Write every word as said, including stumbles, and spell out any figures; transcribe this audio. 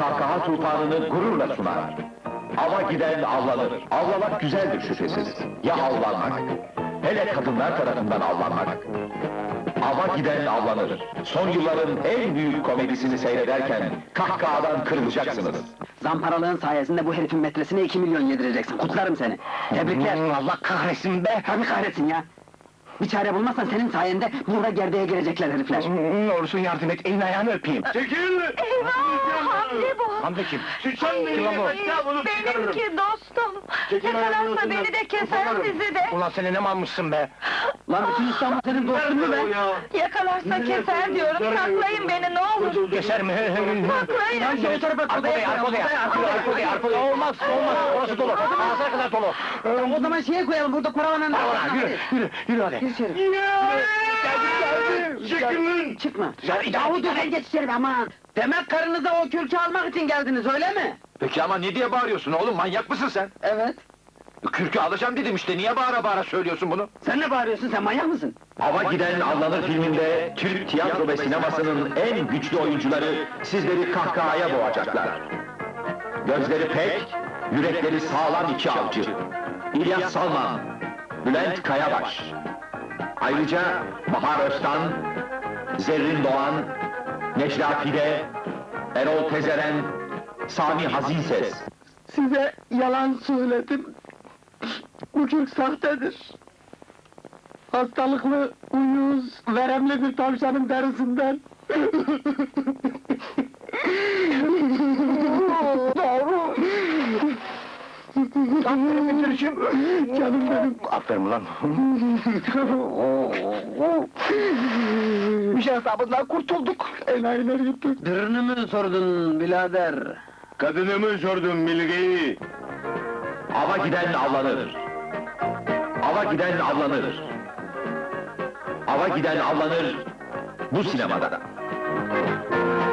kahkaha tufanını gururla sunar. Ava giden avlanır. Avlamak güzeldir şüphesiz. Ya avlanmak? Hele kadınlar tarafından avlanmak. Ava giden avlanır. Son yılların en büyük komedisini seyrederken kahkahadan kırılacaksınız. Zamparalığın sayesinde bu herifin metresine iki milyon yedireceksin, kutlarım seni! Tebrikler! Allah kahretsin be! Tabii kahretsin ya! Bir çare bulmazsan senin sayende burada gerdeğe girecekler herifler! Ne olursun yardım et, elini ayağını öpeyim! Çekil! Eyvah! Hamdi bu! Hamdi kim? Sen Kim lan bu? Benimki dostum! Çekil Yakalarsa ayağını beni de keser sokarım. sizi de! Ulan seni ne malmışsın be! Lan bütün İstanbul senin dostun mu be? Yakalarsa keser diyorum, saklayın beni ne olur! Keser mi? Saklayın! Lan şu tarafa Arka odaya, arka odaya! Arka odaya, arka odaya, arka odaya! Olmaz, olmaz! Orası dolu! Ağzına kadar dolu! O zaman şeye koyalım, burada paravanın... Ulan yürü, yürü, yürü hadi! Gir içeri! Çekilin! Çıkma! Ya, Yahu dur, sen geç içeri be aman! Demek karınıza o kürkü almak için geldiniz, öyle mi? Peki ama ne diye bağırıyorsun oğlum, manyak mısın sen? Evet. Kürkü alacağım dedim işte, niye bağıra bağıra söylüyorsun bunu? Sen ne bağırıyorsun, sen manyak mısın? Ava Giden Avlanır filminde Türk tiyatro ve sinemasının en güçlü oyuncuları sizleri kahkahaya boğacaklar. Gözleri pek, yürekleri sağlam iki avcı. İlyas Salman, Bülent Kayabaş. Ayrıca Bahar Öztan, Zerrin Doğan, Necla Pide, Erol Tezeren, Sami Hazinses. Size yalan söyledim. Bu kürk sahtedir. Hastalıklı, uyuz, veremli bir tavşanın derisinden. Doğru! Aferin Gülçin! Canım benim! Aferin ulan! Bir şey hesabından kurtulduk! Enayiler gitti. Birini mi sordun birader? Kadınımı sordum bilgiyi. Ava giden avlanır. Ava giden avlanır. Ava giden avlanır bu sinemada.